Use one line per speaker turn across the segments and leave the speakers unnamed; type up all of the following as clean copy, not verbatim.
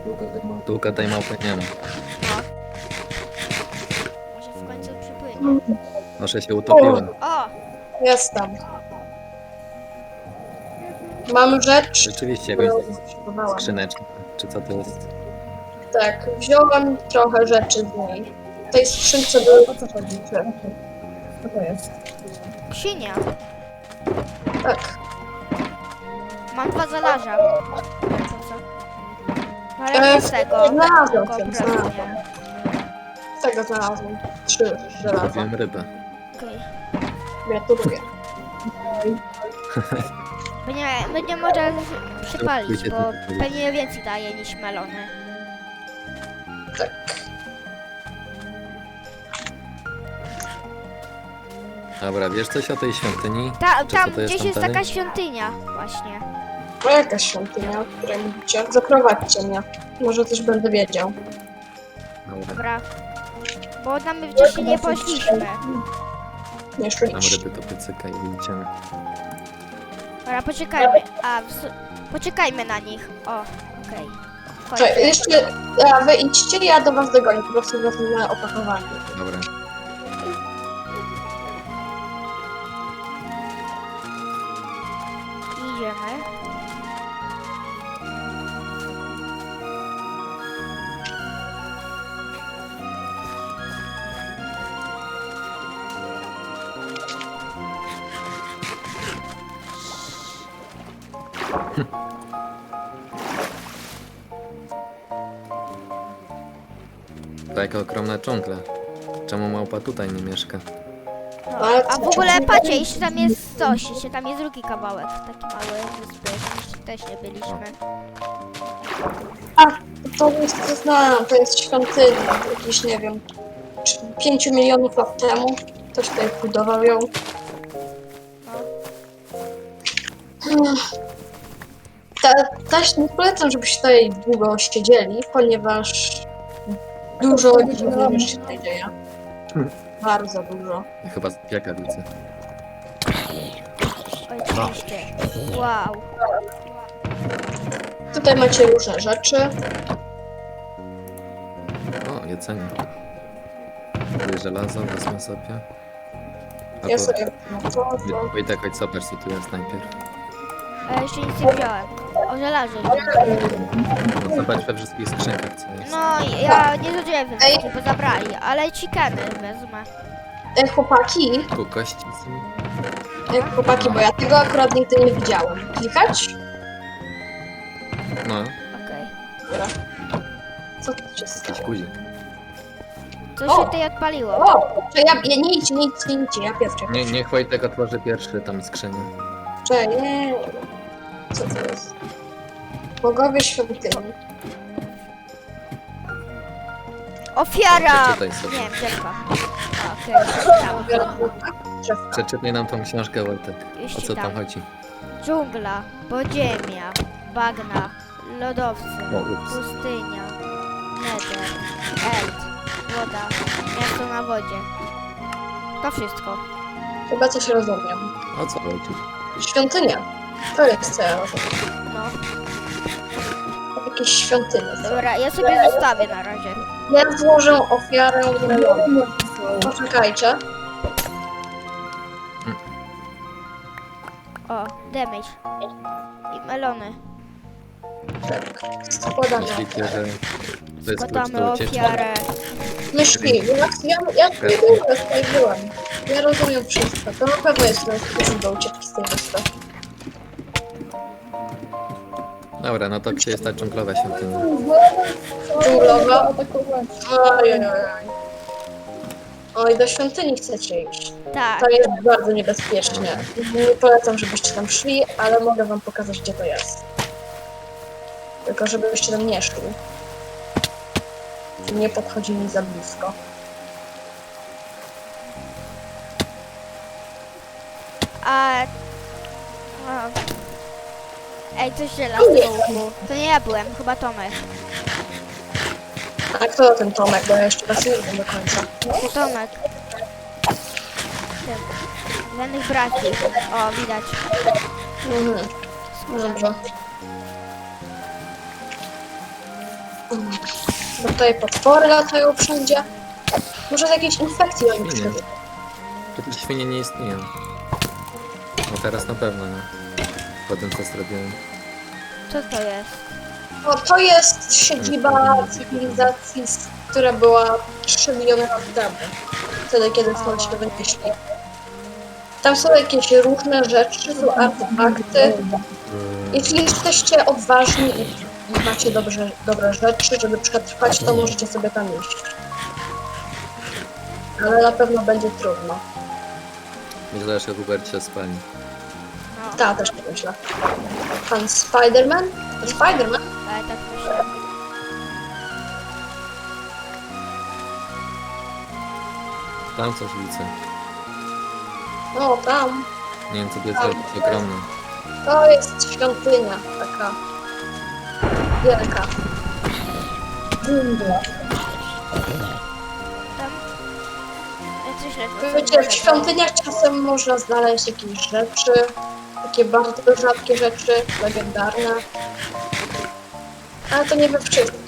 Długo tej małpy nie ma.
No. Może w końcu przypłynie.
Może się utopiła.
O!
Jestem. Mam rzecz,
Rzeczywiście
którą
jakąś
potrzebowałam.
skrzyneczkę. Czy co to jest?
Tak, wziąłem trochę rzeczy z niej. W tej skrzynce były... O co chodzi? Co to jest?
Ksinia.
Tak.
Mam 2 żelaza. To co? Ale nie z tego.
Znalazłem
Tylko
się,
prezent
znalazłem.
miałem.
Z tego znalazłem. 3 żelaza.
Zrobiłem rybę.
Okej.
Gratuluję.
Będzie może przypalić,
Pójdzie
bo
tu.
pewnie więcej daje niż melony.
Tak.
Dobra, wiesz coś o tej świątyni?
Tam
Czy co to
gdzieś
tam
jest
dalej?
taka świątynia właśnie.
O, jakaś świątynia, o której mówicie. Zaprowadźcie mnie. Może też będę wiedział.
Dobra,
Dobra. Bo tam my wcześniej nie poszliśmy.
Nie
mam
szliście.
ryby do piecyka i idziemy.
Dobra, poczekajmy. Poczekajmy na nich. O, okej.
Czekaj, jeszcze... A, wy idźcie, ja do was dogonię. Po prostu wezmę opakowanie.
Dobra.
Idziemy.
To jaka ogromna dżungla. Czemu małpa tutaj nie mieszka?
No.
Ale
A
co,
w ogóle
czemu-
patrzcie, jeszcze tam jest coś, jeszcze tam jest drugi kawałek, taki mały wyspy, jeszcze też nie byliśmy.
A, to jest, to znam, to jest świątynia. Jakiś, nie wiem, 5 milionów lat temu. Ktoś tutaj budował ją. Też nie polecam, żebyście tutaj długo siedzieli, ponieważ dużo dziwnych rzeczy się tutaj dzieje. Bardzo dużo.
Chyba jaka widzę.
Oj, oczywiście. Wow.
Tutaj macie różne rzeczy.
O, jedzenie. Tutaj żelazo, wezmę sobie. A
Ja
to...
sobie no to.
Wojtek, chodź zobacz co tu jest najpierw.
A jeszcze nic nie wziąłem. O żelazie.
No, zobacz we wszystkich skrzynkach co jest.
No, ja nie zdążyłem wybrać, bo zabrali, ale chickeny wezmę.
Chłopaki,
Tu kości są.
chłopaki, bo ja tego akurat nigdy nie widziałem. Klikać?
No,
Okej.
Dobra. Co tu się stało?
jakiś guzik.
Co
O!
się tutaj odpaliło?
O! To ja nie idźcie, nie idźcie, nie idźcie, ja pierwszy.
Niech Wojtek otworzy pierwszy tam skrzynię.
Czekaj, nie. Co to jest? Bogowie świątyni.
Ofiara!
Przeczytaj sobie.
Nie wiem, drzewka. Okej, przeczytam.
Przeczytaj nam tą książkę Wojtek.
Już
O co tam
czytam.
chodzi?
Dżungla, podziemia, bagna, lodowce,
O, ups.
pustynia, nether, eld, woda, miasto na wodzie. To wszystko.
Chyba coś rozumiem.
O co chodzi?
Świątynia. To jest co ja rozumiem.
No,
Jakieś świątynie.
dobra, ja sobie zostawię na razie.
Ja złożę ofiarę melonu. Poczekajcie.
O, damage. I melony.
Tak. Składamy.
Myślicie, że to jest klucz
Składamy
do ucieczki?
ofiarę.
Myśli, ja tutaj byłem. Ja rozumiem wszystko. To na pewno jest sposób do ucieczki z tej wyspy.
Dobra, no to gdzie jest ta dżunglowa świątynia?
Dżunglowa. Ojej. Oj, do świątyni chcecie iść.
Tak,
To jest bardzo niebezpiecznie. Nie polecam, żebyście tam szli, ale mogę wam pokazać, gdzie to jest. Tylko żebyście tam nie szli. Nie podchodzili za blisko.
a... O. Ej, coś żelaznego łuku. To nie ja byłem, chyba Tomek.
A kto ten Tomek? Bo ja jeszcze was nie wiem do końca.
To Tomek. Ten. Żadnych braci. O, widać.
Mhm. Dobrze. Bo tutaj potwory latają wszędzie. Może z jakiejś infekcji oni
Nie.
przyszedł.
Przecież świnie nie istnieją. No teraz na pewno, nie? Po tym co zrobiłem.
Co to jest?
No, to jest siedziba cywilizacji, która była 3 miliony lat temu. Wtedy, kiedy stąd się wynieśli. Tam są jakieś różne rzeczy, są artefakty. Jeśli jesteście odważni i macie dobre rzeczy, żeby przetrwać, to możecie sobie tam iść. Ale na pewno będzie trudno.
Myślę, że Hubert się spali.
No,
Tak, też tak myślę. Pan Spiderman? To Spiderman?
ale tak myślę.
Tam coś widzę.
No, tam.
Nie wiem co to jest, ale to jest ogromne.
To jest świątynia taka wielka. Dżungla.
Tam... Ja coś ledwo
Wiecie, w świątyniach czasem można znaleźć jakieś rzeczy, takie bardzo rzadkie rzeczy, legendarne. Ale to nie we wszystkich.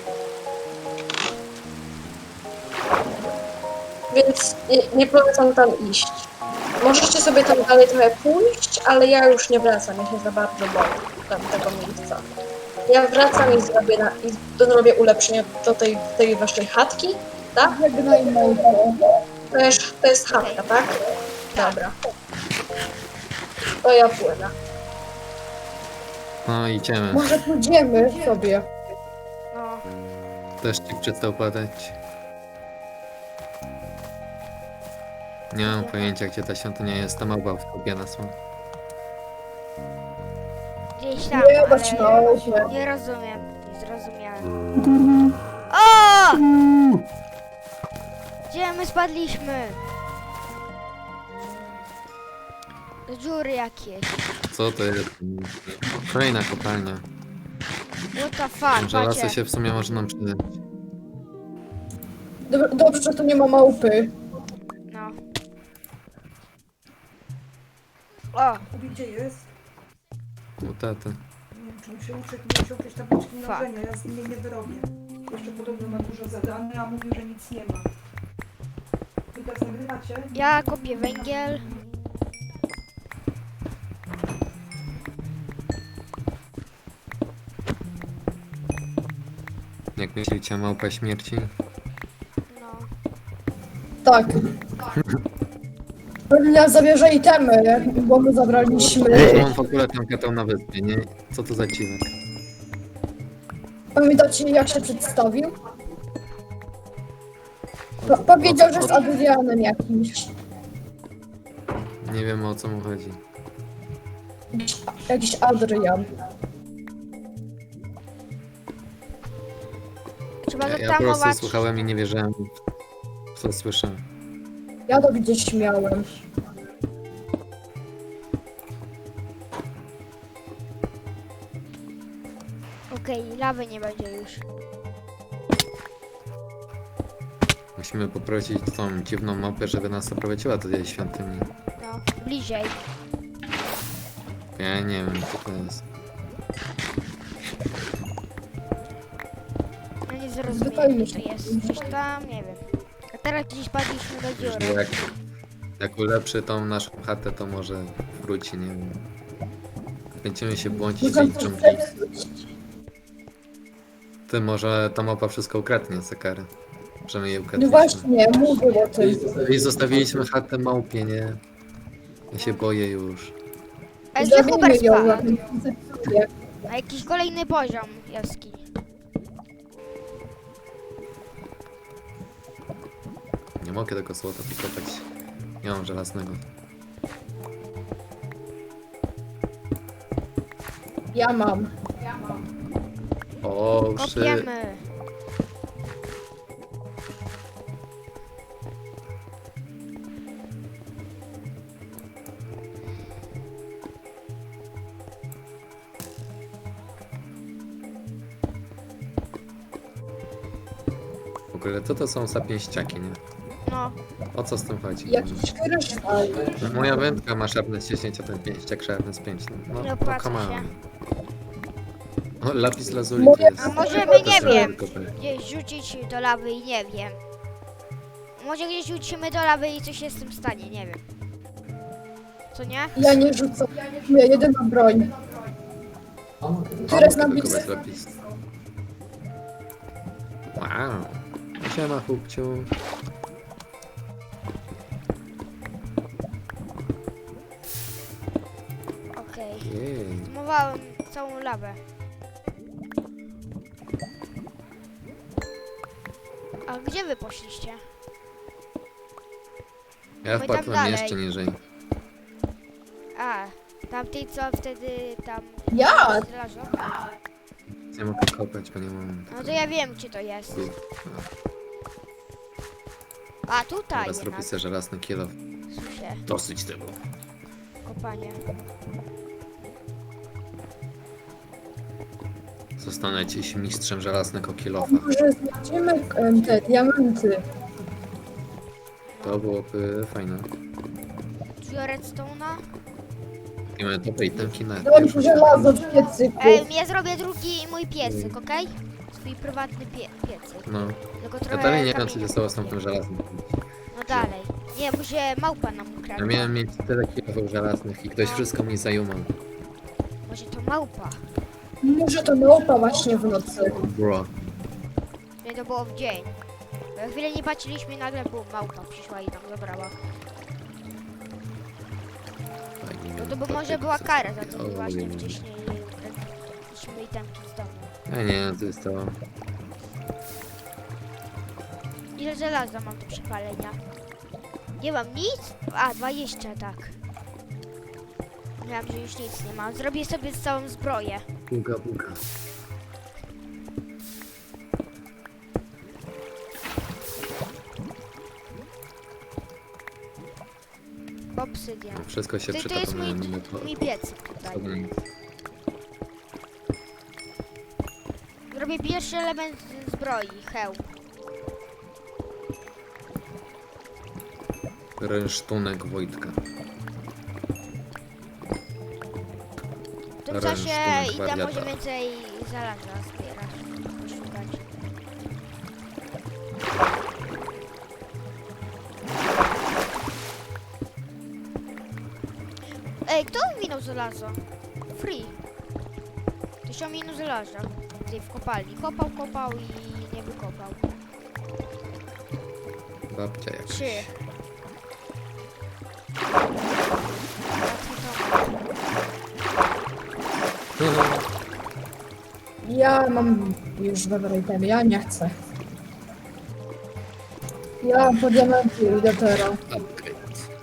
Więc nie polecam tam iść. Możecie sobie tam dalej trochę pójść, ale ja już nie wracam, ja się za bardzo boję tam tego miejsca. Ja wracam i zrobię ulepszenie do tej waszej chatki, tak? To jest chatka, tak? Dobra. To ja płynę.
No idziemy.
Może pójdziemy sobie.
No,
Deszczyk przestał padać. Nie mam pojęcia gdzie ta świątynia jest, ta małpa w kopie nas ma.
gdzieś tam,
Nie bać na
ale
osie.
nie rozumiem. Nie zrozumiałem. O! Gdzie my spadliśmy? Do dziury jakieś.
Co to jest? Kolejna kopalnia.
What the fuck,
Żelazo
macie.
się w sumie może nam przydać.
Dobrze, że tu nie ma małpy.
No. O,
Gdzie jest?
U taty.
Nie wiem, czy mu się uczy, nie wziął jakieś tabliczki
Fuck.
mnożenia, ja z niej nie wyrobię. Jeszcze podobno ma dużo zadanych, a mówił, że nic nie ma. Wy teraz nagrywacie?
ja kopię węgiel.
Jak myślicie, małpa śmierci?
No.
Tak. Pewnie zabierze itemy, bo my zabraliśmy.
Mam w ogóle tam katał na wyspie, nie? Co to za dziwek?
Pamiętacie jak się przedstawił? Powiedział, że jest Adrianem jakimś.
Nie wiem o co mu chodzi.
Jakiś Adrian.
Trzeba
Ja po prostu
zatamować.
słuchałem i nie wierzyłem w co słyszę.
Ja to gdzieś miałem.
Okej, lawy nie będzie już.
Musimy poprosić tą dziwną małpę, żeby nas zaprowadziła do tej świątyni.
No, bliżej.
Ja nie wiem co to jest.
No nie
Zwykle
zrozumiałem,
już
co jest. Coś tam, nie wiem. A teraz gdzieś padliśmy do
Że
dziury.
jak ulepszy tą naszą chatę, to może wróci, nie wiem. Będziemy się błądzić w tej dżungli. Ty może ta małpa wszystko ukradnie za karę. Że my jej
No
ukradliśmy.
właśnie, mówił o tym.
I zostawiliśmy chatę małpie, nie? Ja się boję już.
A gdzie
Zabijmy
Hubert
ją
spadł?
na tym koncepcie.
A jakiś kolejny poziom jaskini.
Nie mogę tego złota wykopać. Nie mam żelaznego.
Ja mam.
O,
Kopiemy.
W ogóle co to są za pięściaki, nie?
No,
O co z tym chodzi?
Jakiś kryształ.
Moja wędka ma sharpness 10, a ten pięściak sharpness 5. No,
Nie
no
opłaca
come
się.
on. O, lapis lazuli
Mówię-
to jest.
A możemy,
to
nie
trzeba
wiem,
wykopać.
gdzieś rzucić do lawy i nie wiem. Może gdzieś rzucimy do lawy i coś się z tym stanie, nie wiem. Co nie?
Ja nie rzucam. Moja jedyna broń. Która znam blisko.
Wykopać lapis. Wow. Siema, chłopciu.
Okej.
Jej.
Zmowałem całą lawę. A gdzie wy poszliście?
Ja
My tam
wpadłem
dalej.
jeszcze niżej.
A, tamtej co wtedy tam...
Ja?
Zlażą?
Nie mogę kopać, bo nie mam.
No to ja wiem, gdzie to jest.
Tu.
A, tutaj
Teraz robię
jednak.
sobie żelazny kilo.
Słyszę,
Dosyć tego.
kopanie.
Zostanę dziś mistrzem żelaznego kilofa.
Może znajdziemy te diamenty.
To byłoby fajne.
Dużo redstone'a?
I mamy dobre itemki na
Dam
pierwszą
żelazo w piecyku.
Ja zrobię drugi mój piecyk, okej? Swój prywatny piecyk.
No.
Tylko
Ja
trochę
dalej nie wiem, co
kamienia.
się stało z tamtym żelaznym.
No dalej. Nie, może małpa nam
Ja
ukradła.
miałem mieć tyle kilofów żelaznych i ktoś wszystko mi zajumał.
Może to małpa.
Może to małpa właśnie w nocy.
Bro.
Nie, to było w dzień. Bo chwilę nie patrzyliśmy i nagle była małpa, przyszła i tam zabrała. No to by może była kara za to, że właśnie wcześniej ukradliśmy itemki z domu.
Ja nie, to jest to.
Ile żelaza mam do przepalenia? Nie mam nic? A, 20, tak. Miałam, że już nic nie mam. Zrobię sobie całą zbroję.
Buga, buga.
Obsydian.
Wszystko się
To
przyda,
jest
to
mój,
mamy to.
mój piecyk tutaj. Zrobię pierwszy element zbroi, hełm.
Rynsztunek Wojtka.
W tym
Ręczny
czasie idę
wariata.
może więcej żelaza zbierać, poszukać. Ej, kto minął żelazo? Free. 1000 minut żelaza. Tutaj w kopalni. Kopał i nie wykopał.
Babcia jakaś.
3.
Ja mam już dobre itemy, ja nie chcę. Ja po diamenty idę teraz.
Upgrade.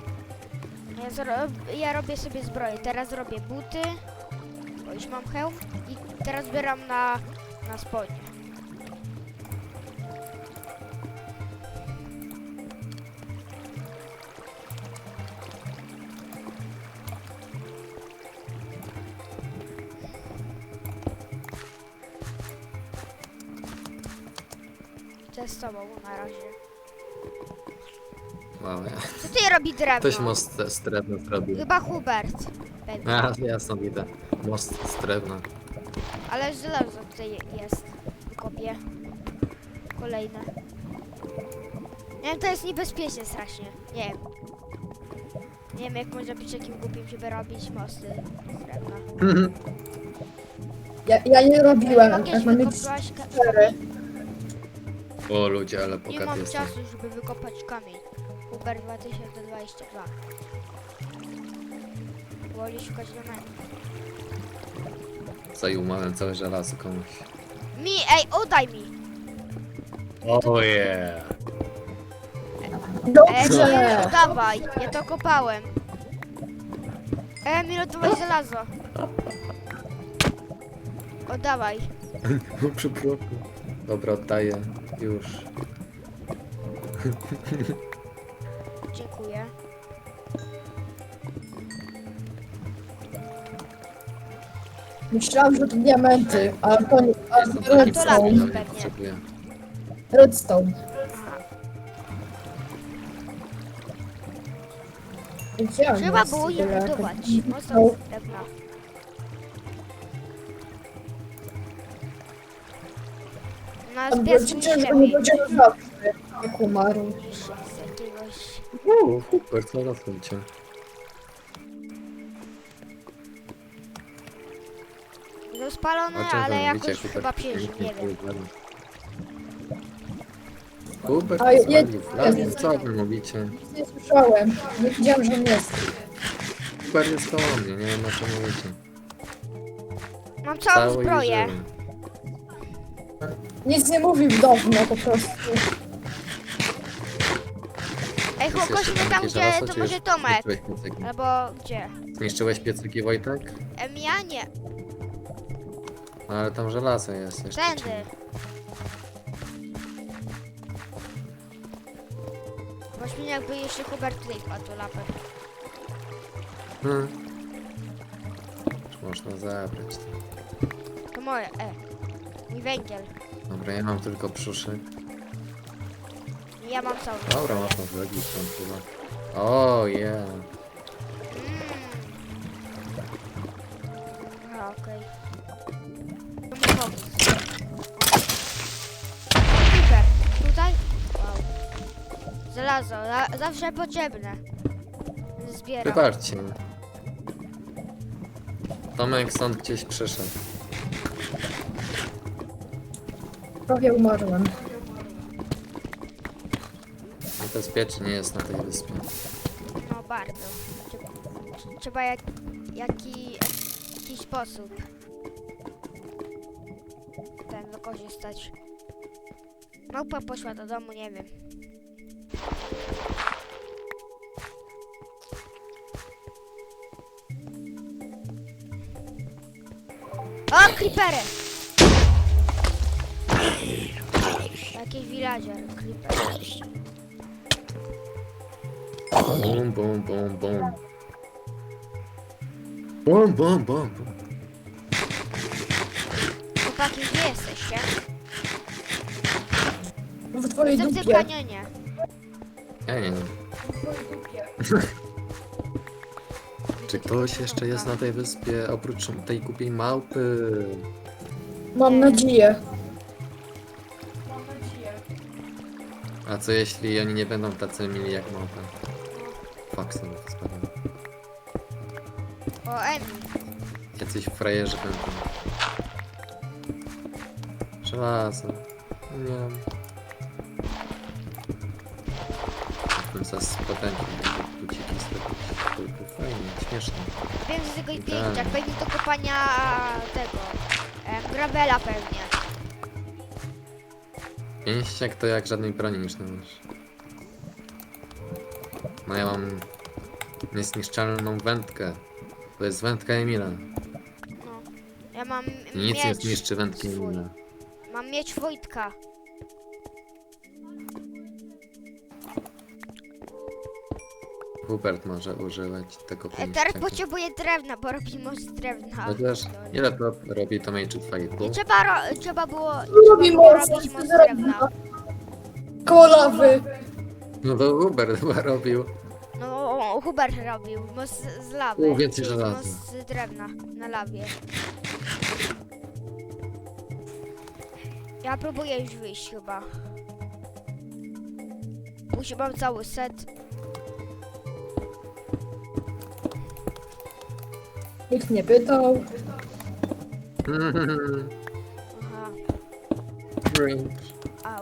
Ja robię sobie zbroję. Teraz robię buty, bo już mam hełm i teraz zbieram na spodnie. To jest z tobą na razie.
Wow, ja.
Co ty robi drewno?
Ktoś most z drewna zrobił.
Chyba Hubert. Pewnie.
A, jasno widzę. Most z drewna.
Ale żelazo tutaj jest. Kopię. Kolejne. Nie wiem, to jest niebezpieczne strasznie. Nie wiem. Nie wiem, jak można być takim głupim, żeby robić mosty z drewna.
Ja nie robiłem,
Mogę
jak mam mieć
wykopać
4.
O ludzie, ale
Nie
bogaty
mam
jestem.
czasu, żeby wykopać kamień. Uber 2022. Woli szukać diamentów.
Zajumałem całe żelazo komuś.
Ej, oddaj mi!
Oh yeah.
Nie,
Dobrze!
oddawaj, ja to kopałem. Mi oddawaj żelazo. Oddawaj.
Przepraszam. Dobra, oddaję. Już.
Dziękuję.
Myślałam, że to diamenty, ale to nie, ale
Jestem
to
takim
to lapis
redstone.
nie
pewnie.
potrzebuję.
Redstone. Gdzie on
Trzeba
jest?
było je
Tyle,
budować.
taki-
Mocno z drewna. Ona
Tam
z
było
pieskiem
ciężko,
ślepi.
nie będzie zawsze, jak umarł.
Z jakiegoś...
Super, co rozumcie.
No spalone, ale jakoś chyba przeżył, nie wiem.
Hubert
A
zwalił w las,
jest-
co wy mówicie?
Nie słyszałem, nie widziałem, że on jest.
Hubert jest koło mnie, nie wiem na co mówicie.
Mam całą
Cały i
zbroję.
żywy.
Nic nie mówił dawno po prostu.
Ej,
Jest
chłopaki,
jeszcze
tam
takie
gdzie,
żelazo,
to
czy
może
już
Tomek.
zniszczyłeś piecyki?
Albo gdzie?
Zniszczyłeś piecyki, Wojtek?
Ja nie.
No ale tam żelazo jest jeszcze.
Tędy. Właśnie jakby jeszcze Hubert tutaj wpadł lapę.
Hmm. Już można zabrać.
To moje, mój węgiel.
Dobra, ja mam tylko brzuszek.
Ja mam całą
Dobra,
zbroję.
można zrobić tam chyba. O, yeah.
Aha, okej. To mi pomóc. Super. Tutaj? Wow. Żelazo, zawsze potrzebne. Zbieram.
Wybaczcie. Tomek stąd gdzieś przyszedł.
Prawie umarłem.
Bezpiecznie jest na tej wyspie.
No bardzo. Trzeba jakiś sposób ten wykorzystać. Małpa poszła do domu, nie wiem. O, creepery! Jakiś villager, creeper.
Bum, bum, bum, bum. Bum, bum, bum, bum.
Chłopaki, gdzie jesteście?
W twojej
Jestem w tym
dupie.
kanionie.
Ja nie wiem. Czy ktoś jeszcze jest na tej wyspie oprócz tej głupiej małpy?
Mam nadzieję.
Mam nadzieję.
A co jeśli oni nie będą tacy mili jak małpa? Fuck, sobie to spadłem.
O, Emi.
Jacyś frajerzy będą. Żelazo. Nie wiem. Bym zaraz potępił te buciki zrobić. Tylko fajnie, śmieszne.
Wiem z tego i
Idealnie.
pięć, jak pewnie do kopania tego. Gravela pewnie.
Pięściak to jak żadnej broni niż masz. No ja mam niezniszczalną wędkę. To jest wędka Emila.
No. Ja mam
Nic nie
miecz.
zniszczy wędki
swój.
Emila.
Mam miecz Wojtka.
Hubert może używać tego
Teraz
pięściaka.
potrzebuję drewna, bo robi most z drewna.
Chociaż ile to robi to Major
Nie
2,5?
trzeba było
Robi
było
most
robić
z
most z
drewna.
drewna.
Koło lawy.
No to Hubert chyba robił.
No, Hubert robił most z lawy.
Więcej
czyli
żelaza.
most z drewna na lawie. Ja próbuję już wyjść chyba. Już mam cały set.
Nikt nie pytał.
Aha,
Cringe.
au.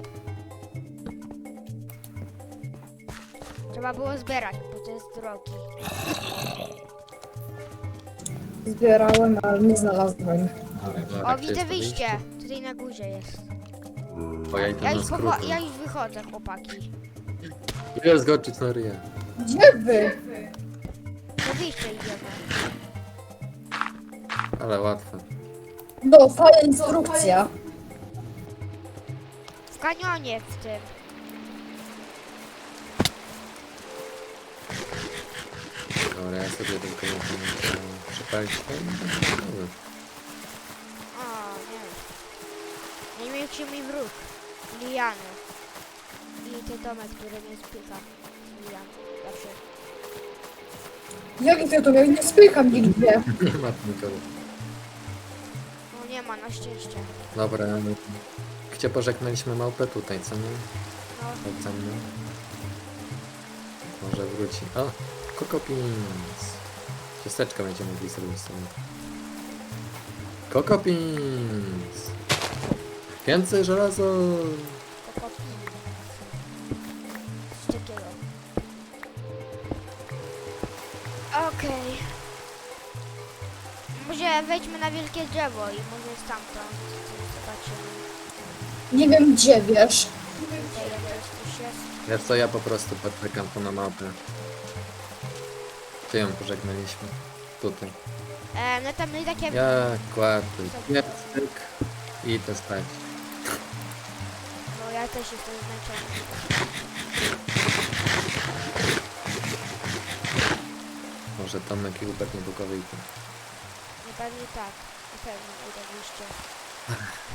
Trzeba było zbierać, bo to jest drogi.
Zbierałem, ale nie znalazłem.
Dobra,
O,
gdzie
widzę
jest to
wyjście. Tutaj na górze jest.
O, ja idę
Ja
na
już,
skróty.
ja już wychodzę, chłopaki.
Ile zgoczyć na ryję?
Gdzie wy?
Do wyjścia idziemy.
Ale łatwe.
No, fajna instrukcja.
W kanionie w tym.
Dobra, ja sobie tylko muszę przepalić to.
O, nie. Największy mi wróg. Liany. I ten domek, który mnie spycha. Lian. Zawsze.
Jak ty to miał? Nie spycham nigdzie.
Nie ma nikogo.
No nie ma, na szczęście.
Dobra, Wreszcie pożegnaliśmy małpę tutaj, co nie?
No,
Chodź za mną. Może wróci. O! Kokopins! Ciasteczka będziemy mogli zrobić sobie. Kokopins! Więcej żelazo!
kokopi. Coś takiego. Okej. Może wejdźmy na wielkie drzewo i może stamtąd coś zobaczymy.
Nie wiem gdzie, wiesz.
Tutaj jakoś coś jest.
Wiesz co, ja po prostu poczekam tu na małpę. Gdzie ją pożegnaliśmy? Tutaj.
No tam i takie...
Ja kładę piecyk i idę spać.
No ja też jestem zmęczony.
Może Tomek i Hubert nie wyjdą.
Nie pewnie tak. Na pewno idę w liście.